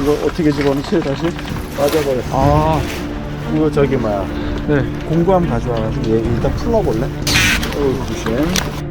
이거 어떻게 집어넣지? 다시 빠져버렸어. 아, 이거 저기 뭐야, 네. 공구함 가져와가지고 얘 일단 풀어볼래? 조심.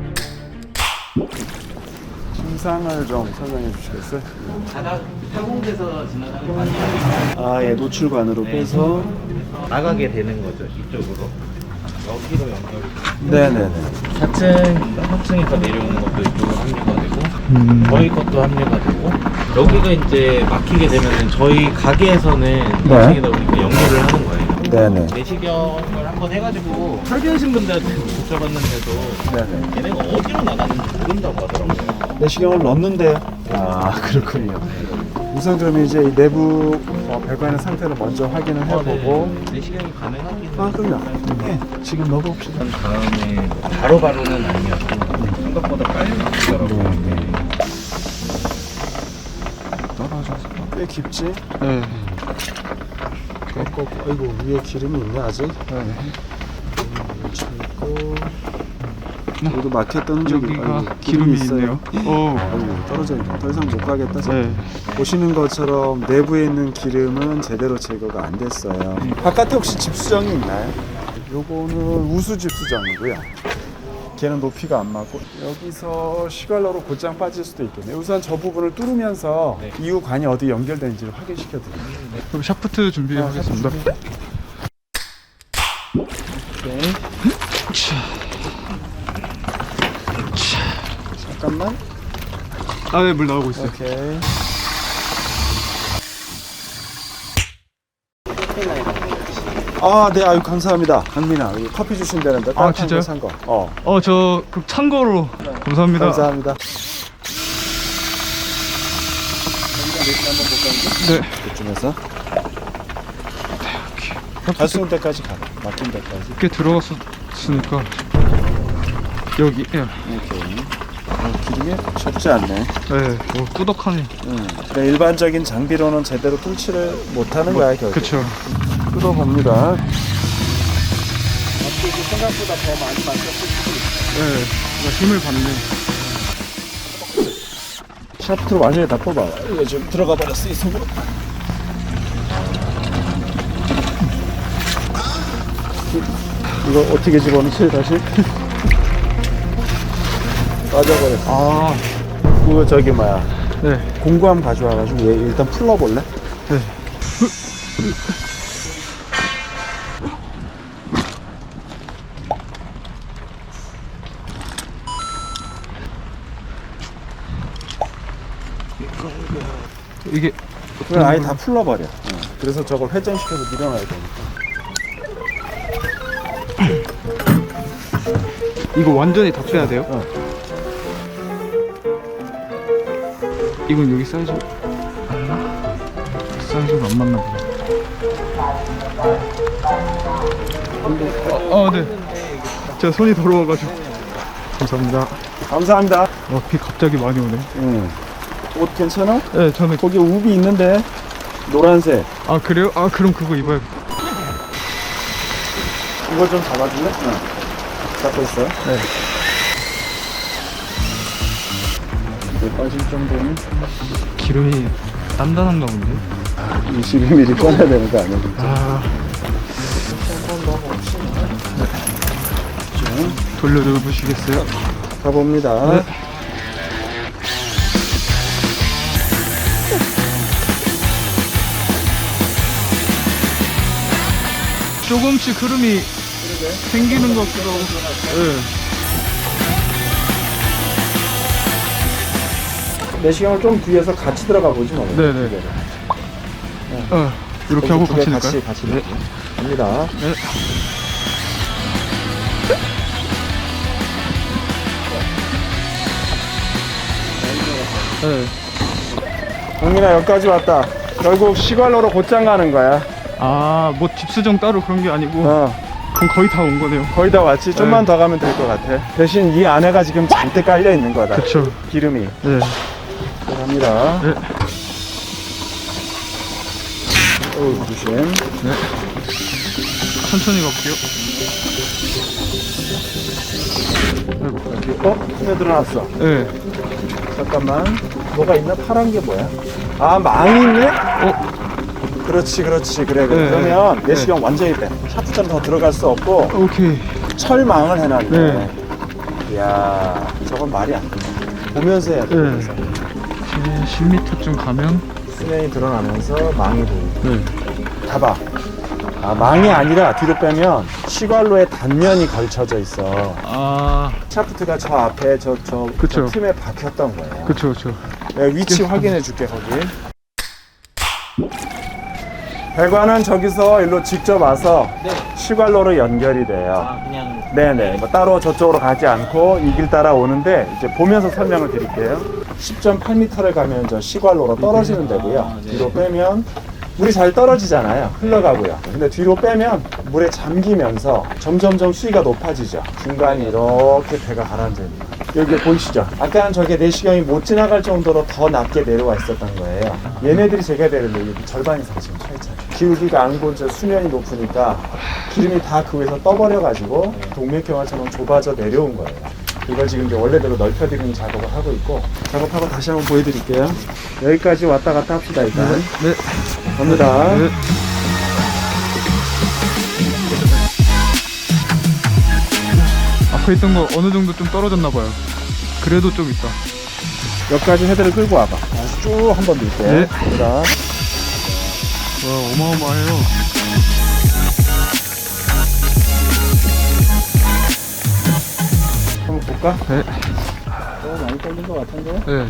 증상을 좀 설명해 주시겠어요? 바닥 타공돼서 지나가는 관이 아니라 아, 얘 노출관으로 빼서. 나가게 되는 거죠, 이쪽으로. 여기로 연결이. 네네네. 4층, 3층에서 내려오는 것도 이쪽으로 합류가 되고, 저희 것도 합류가 되고, 여기가 이제 막히게 되면은 저희 가게에서는 2층에다 우리가 연결을 하는 거예요. 네네. 내시경을 한번 해가지고 설계하신 분들한테 여쭤봤는데도 네네. 얘네가 어디로 나가는지 모른다고 하더라고요. 내시경을 넣는데요. 아, 그렇군요. 우선 그럼 이제 이 내부 별관의 상태를 먼저 확인을 해보고. 내시경이 가능하긴 아, 그럼요. 네, 지금 넣어봅시다. 한 다음에 바로바로는 아니었고 생각보다 빨리 나오더라고요. 네. 떨어져서 꽤 깊지? 네. 아이고, 위에 기름이 있네 아직. 네. 있고. 여기도 막혔던 흔적이. 여기가 아이고, 기름이 있어요. 있네요. 오. 아이고, 떨어져 있네. 더 이상 못 가겠다. 네. 보시는 것처럼 내부에 있는 기름은 제대로 제거가 안 됐어요. 바깥에 혹시 집수정이 있나요? 요거는 우수 집수정이고요. 걔는 높이가 안 맞고, 여기서 시갈러로 곧장 빠질 수도 있겠네요. 우선 저 부분을 뚫으면서 네. 이후 관이 어디 연결되는지를 확인시켜 드립니다. 그럼 샤프트 준비하겠습니다. 오케이. 잠깐만. 아, 네, 물 나오고 있어요. 오케이. 아, 네, 아유, 감사합니다. 강민아, 여기 커피 주신다는데. 아, 따뜻한 진짜요? 거 산 거. 저 그럼 참고로 감사합니다. 감사합니다. 네. 이쯤에서 갈 수 있는 데까지 가. 막힌 데까지. 꽤 들어갔었으니까 여기. 예. 오케이. 기름이 적지 않네. 네. 오, 꾸덕하네. 그래, 일반적인 장비로는 제대로 뚫지를 못하는 거야, 결국. 그쵸. 뜯어봅니다. 앞쪽이 생각보다 더 많이 맞췄을 수도 있어. 네. 뭔가 힘을 받는. 샤프트로 완전히 다 뽑아. 이거 지금 들어가 버렸어, 이 속으로. 이거 어떻게 집어넣지, 다시? 빠져버렸어. 아, 이거 저기 뭐야, 네. 공구함 가져와가지고 얘 일단 풀러볼래? 네. 이게 그걸 아예 다 풀러버려. 그래서 저걸 회전시켜서 밀어놔야 되니까. 이거 완전히 다 빼야 돼요? 이건 여기 사이즈 맞나? 사이즈가 안 맞나 보다. 네. 제가 손이 더러워가지고. 감사합니다. 감사합니다. 비 갑자기 많이 오네. 옷 괜찮아? 네, 저는. 거기 우비 있는데 노란색. 아, 그래요? 아, 그럼 그거 입어야겠다. 이거 좀 잡아줄래? 응. 잡고 있어요? 네. 이거 빠질 정도는 기름이 단단한가 본데? 22mm 꺼내야 되는 거 아니야? 아, 한번 넣어봅시다. 돌려보시겠어요? 가봅니다. 네. 조금씩 흐름이 생기는 것 같기도 하고. 네. 내시경을 좀 뒤에서 같이 들어가 보지 뭐. 네네. 이렇게 하고 같이 넣을까요? 같이 네. 갑니다. 네. 네. 강민아, 여기까지 왔다. 결국 시갈로로 곧장 가는 거야. 아, 뭐 집수정 따로 그런 게 아니고. 그럼 거의 다 온 거네요. 거의 다 왔지. 좀만 네. 더 가면 될 것 같아. 대신 이 안에가 지금 잔뜩 깔려 있는 거다. 그쵸. 기름이. 네. 갑니다. 네. 조심. 네. 천천히 가볼게요. 스며들어놨어. 네. 잠깐만. 뭐가 있나? 파란 게 뭐야? 아, 망이 있네? 그렇지, 그렇지. 그래. 네, 그러면 네. 내시경 완전히 빼. 샤프트는 더 들어갈 수 없고 오케이. 철망을 해놨네. 네. 이야, 저건 말이 안 돼. 보면서 해야 돼. 네. 보면서. 이제 10m쯤 가면. 수면이 드러나면서 망이 보이고. 네. 봐봐. 아, 망이 아니라 뒤로 빼면 시관로에 단면이 걸쳐져 있어. 아, 샤프트가 저 앞에 저 그쵸. 틈에 박혔던 거예요. 그쵸, 그쵸. 내가 위치 확인해 줄게, 거기. 배관은 저기서 일로 직접 와서 네. 시관로로 연결이 돼요. 아, 그냥 네네. 뭐 따로 저쪽으로 가지 않고 이 길 따라 오는데 이제 보면서 설명을 드릴게요. 10.8m를 가면 저 시관로로 떨어지는 데고요. 아, 네. 뒤로 빼면 물이 잘 떨어지잖아요. 흘러가고요. 근데 뒤로 빼면 물에 잠기면서 점점점 수위가 높아지죠. 중간에 이렇게 배가 가라앉아있는 여기 보이시죠? 아까는 저게 내시경이 못 지나갈 정도로 더 낮게 내려와 있었던 거예요. 얘네들이 제가 되는데 여기 절반 이상 지금 차 있잖아요. 기울기가 안고 이제 수면이 높으니까 기름이 다 그 위에서 떠버려가지고 동맥경화처럼 좁아져 내려온 거예요. 이걸 지금 이제 원래대로 넓혀드리는 작업을 하고 있고, 작업하고 다시 한번 보여드릴게요. 여기까지 왔다 갔다 합시다, 일단. 네. 갑니다. 네. 앞에 있던 거 어느 정도 좀 떨어졌나 봐요. 그래도 좀 있다. 여기까지 헤드를 끌고 와봐. 다시 쭉 한 번 밀게요. 네. 갑니다. 와, 어마어마해요. 한번 볼까? 네. 많이 떨린 것 같은데? 네.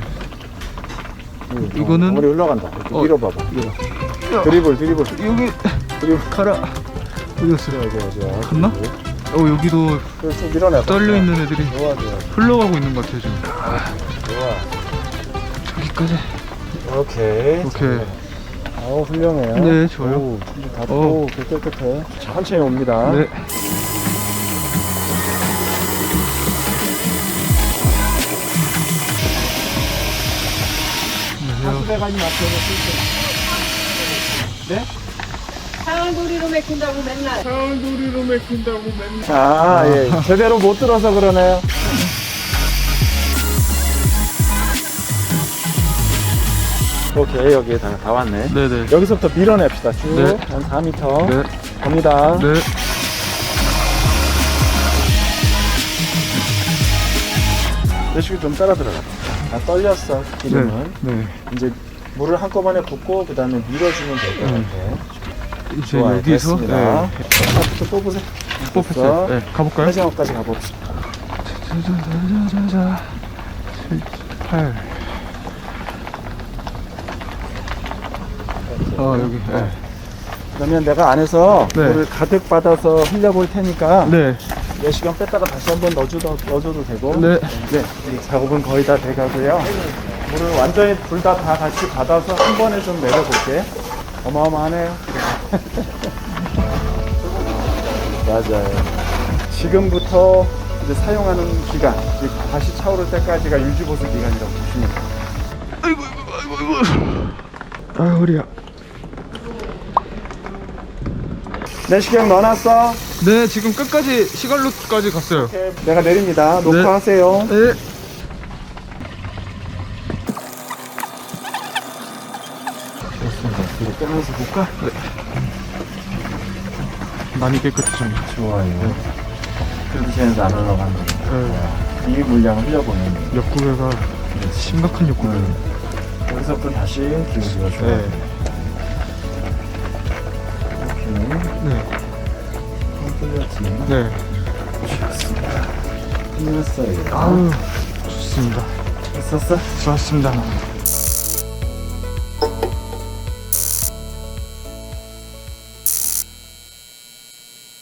이거는? 머리 흘러간다. 이렇게 어. 밀어봐봐. 드리블. 여기 가라. 어디 갔어? 좋아. 갔나? 여기도 그래서 좀 밀어내봐. 떨려 있는 애들이 좋아. 흘러가고 있는 것 같아요 지금. 좋아. 저기까지. 오케이. 아우, 훌륭해요. 네, 좋아요. 오, 닫고 깨끗해. 천천히 옵니다. 네. 하수배관이 앞에서 네? 상황돌이로 맥힌다고 맨날. 아, 예. 제대로 못 들어서 그러네요. 오케이, 여기 다 왔네. 네네. 여기서부터 밀어냅시다. 쭉. 네. 한 4m. 네. 갑니다. 네. 내식이 좀 따라 들어가. 다 떨렸어, 기름은. 네. 이제 물을 한꺼번에 붓고, 그 다음에 밀어주면 될 것 같아. 이제 좋아요, 여기서 됐습니다. 샤프트 뽑으세요. 뽑혔어요. 네. 가볼까요? 회장업까지 가봅시다. 자자자자자. 7, 8. 여기. 네. 그러면 내가 안에서 네. 물을 가득 받아서 흘려볼 테니까 네. 내시경 뺐다가 다시 한번 넣어줘도 되고. 네. 이 작업은 거의 다 돼가고요. 물을 완전히 둘 다 같이 받아서 한 번에 좀 내려볼게. 어마어마하네요. 맞아요. 지금부터 이제 사용하는 기간, 즉 다시 차오를 때까지가 유지보수 기간이라고 보시면 돼요. 아이고. 아, 허리야. 내시경 넣어놨어? 네, 지금 끝까지 시갈로까지 갔어요. 오케이, 내가 내립니다. 녹화하세요. 네. 이거 빼면서 볼까? 많이 깨끗해집니다. 좋아요. 그래도 쟤는 안 올라간다. 네. 이 물량을 흘려보내는. 옆구리가 심각한 옆구리예요. 여기서부터 다시 기울기가 좋아요. 네. 오케이. 네. 뚫렸지. 네. 좋습니다. 끝났어요. 아우, 좋습니다. 했었어? 좋았습니다.